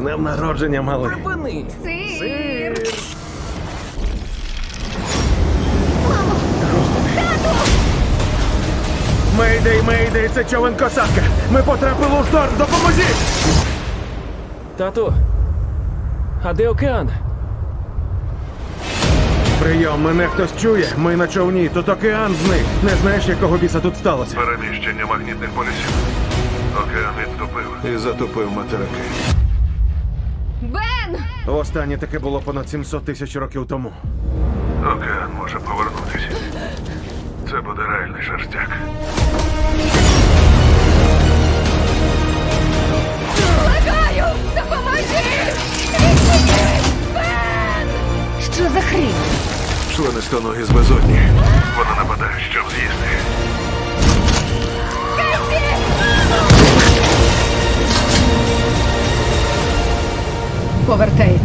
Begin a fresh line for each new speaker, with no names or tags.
днем народження, малий.
Припини!
Сир!
Мейдей, мейдей, це човен косатка. Ми потрапили у шторм, допоможіть!
Тату, а де океан?
Прийом, мене хтось чує. Ми на човні, тут океан зник. Не знаєш, якого біса тут сталося?
Переміщення магнітних полюсів. Океан відступив і затопив материки.
Бен!
Останнє таке було понад 700 тисяч років тому.
Океан може повернутися. Це буде реальний шерстяк.
Благаю! Допоможіть! Відчиніть! Бен! Що за хрінь?
Членистоногі з безодні. Вона нападає, щоб з'їсти.
Касі! Повертається.